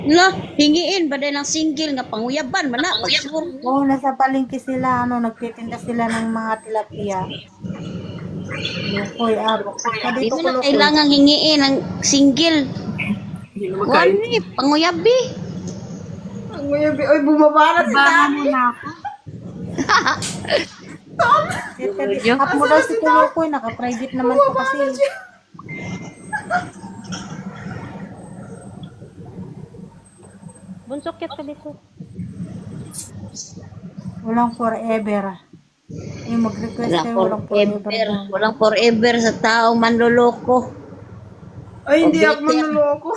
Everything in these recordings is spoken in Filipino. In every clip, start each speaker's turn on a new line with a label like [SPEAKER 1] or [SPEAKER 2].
[SPEAKER 1] La, hingiin ba din ng single nga panguyaban man na pagsur.
[SPEAKER 2] Oo, nasa palengke sila, nagtitinda sila ng mga tilapia. Lukoy, abok.
[SPEAKER 1] Di
[SPEAKER 2] Dito
[SPEAKER 1] mo
[SPEAKER 2] ko
[SPEAKER 1] na
[SPEAKER 2] lukoy.
[SPEAKER 1] kailangan hingiin ng single. Wani, panguyabi.
[SPEAKER 3] Ang mayabi. Oy, bumaba na si
[SPEAKER 2] Baka
[SPEAKER 3] Daddy.
[SPEAKER 2] mo na ako. Up mo daw si Kulukoy, naka-private naman po kasi.
[SPEAKER 4] Bunsok yat ka dito.
[SPEAKER 2] Walang forever. Yung mag-request kayo, walang forever.
[SPEAKER 1] Walang forever sa taong manloloko.
[SPEAKER 3] Ay, hindi
[SPEAKER 1] O,
[SPEAKER 3] ako
[SPEAKER 1] bitter.
[SPEAKER 3] manloloko.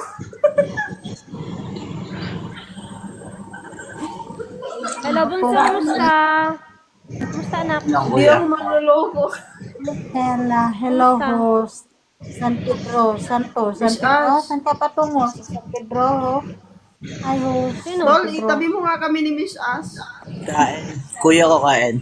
[SPEAKER 4] Hello, Bunso. Kumusta? Kumusta, anak?
[SPEAKER 3] Hindi ako manloloko.
[SPEAKER 2] Hello host. San Pedro, San ka patungo? San Pedro. Hi host.
[SPEAKER 4] Sino?
[SPEAKER 3] Dol, itabi mo nga kami ni Miss As.
[SPEAKER 5] Kain. Kuya ko kain.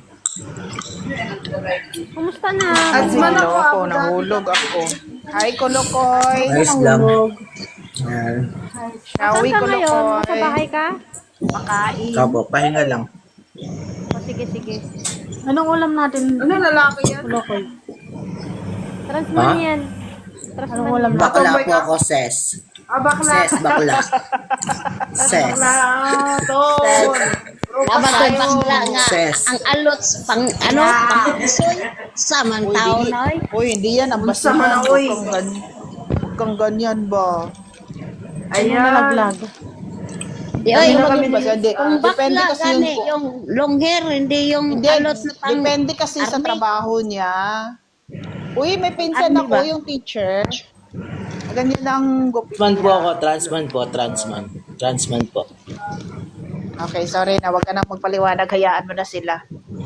[SPEAKER 4] Kumusta na?
[SPEAKER 3] Adsman ako.
[SPEAKER 6] Ako, nahulog ako. Hi, Kolokoy.
[SPEAKER 5] Ayos lang.
[SPEAKER 2] Hulog.
[SPEAKER 5] Ayan.
[SPEAKER 4] Saan
[SPEAKER 6] Shawi,
[SPEAKER 4] ka ngayon? Nasa
[SPEAKER 6] Kolokoy.
[SPEAKER 4] bahay ka?
[SPEAKER 6] Makain.
[SPEAKER 5] Kapo, pahinga lang.
[SPEAKER 4] O, sige, sige.
[SPEAKER 2] Anong ulam natin?
[SPEAKER 3] Ano, lalaki yan?
[SPEAKER 2] Kulukoy.
[SPEAKER 4] Transman
[SPEAKER 5] Ha?
[SPEAKER 4] yan.
[SPEAKER 2] Anong
[SPEAKER 4] Transman
[SPEAKER 2] ulam
[SPEAKER 4] yan.
[SPEAKER 2] natin?
[SPEAKER 5] Bakla po ako, ses.
[SPEAKER 3] Ah, bakla.
[SPEAKER 5] Ses, bakla. Ses.
[SPEAKER 3] Ah, Tol.
[SPEAKER 1] Dapat ko'y bakla nga.
[SPEAKER 5] Ses.
[SPEAKER 1] Ang alots, pang ano, pang isoy. Samang tao na oy.
[SPEAKER 6] Uy, hindi yan. Ang
[SPEAKER 3] Basta man,
[SPEAKER 6] basihan.
[SPEAKER 3] uy.
[SPEAKER 6] Huwag kang ganyan ba?
[SPEAKER 2] Ano nalaglag?
[SPEAKER 1] Di oy,
[SPEAKER 6] Ano kami basa? Hindi.
[SPEAKER 1] kung
[SPEAKER 6] Depende
[SPEAKER 1] bakla
[SPEAKER 6] kasi
[SPEAKER 1] gani, yung long hair, hindi yung
[SPEAKER 6] Hindi,
[SPEAKER 1] alots na pang
[SPEAKER 6] depende kasi sa
[SPEAKER 1] army.
[SPEAKER 6] trabaho niya. Uy, may pinsan
[SPEAKER 1] Army
[SPEAKER 6] ako,
[SPEAKER 1] ba?
[SPEAKER 6] yung teacher. Ganyan ang gupit
[SPEAKER 5] Transman po
[SPEAKER 6] niya.
[SPEAKER 5] ako, transman po, transman. Transman po.
[SPEAKER 6] Okay, sorry na. Huwag ka nang magpaliwanag. Hayaan mo na sila.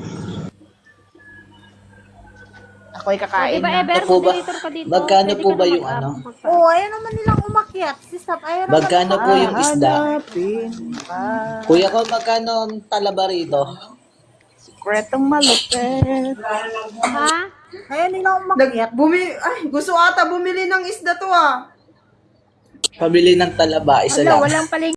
[SPEAKER 6] Ako'y
[SPEAKER 4] O,
[SPEAKER 6] kakain
[SPEAKER 4] di ba,
[SPEAKER 6] na.
[SPEAKER 4] Ever?
[SPEAKER 5] Ito po ba?
[SPEAKER 4] Moderator ka dito.
[SPEAKER 5] Magkano
[SPEAKER 4] Pwede
[SPEAKER 5] po
[SPEAKER 4] ka
[SPEAKER 5] ba
[SPEAKER 4] na
[SPEAKER 5] yung
[SPEAKER 4] mag-up,
[SPEAKER 5] ano?
[SPEAKER 4] mag-up.
[SPEAKER 2] Oo, ayaw naman nilang umakyat. Si Sap, ayaw naman.
[SPEAKER 5] Magkano po yung isda?
[SPEAKER 6] Hanapin pa.
[SPEAKER 5] Kuya ko, magkano ang talaba rito?
[SPEAKER 6] Sikretong malupit.
[SPEAKER 4] Ha?
[SPEAKER 2] Ayaw nilang umakyat.
[SPEAKER 3] Ay, gusto ata bumili ng isda to ah.
[SPEAKER 5] Pabili ng talaba, isa
[SPEAKER 4] Wala,
[SPEAKER 5] lang.
[SPEAKER 4] walang paling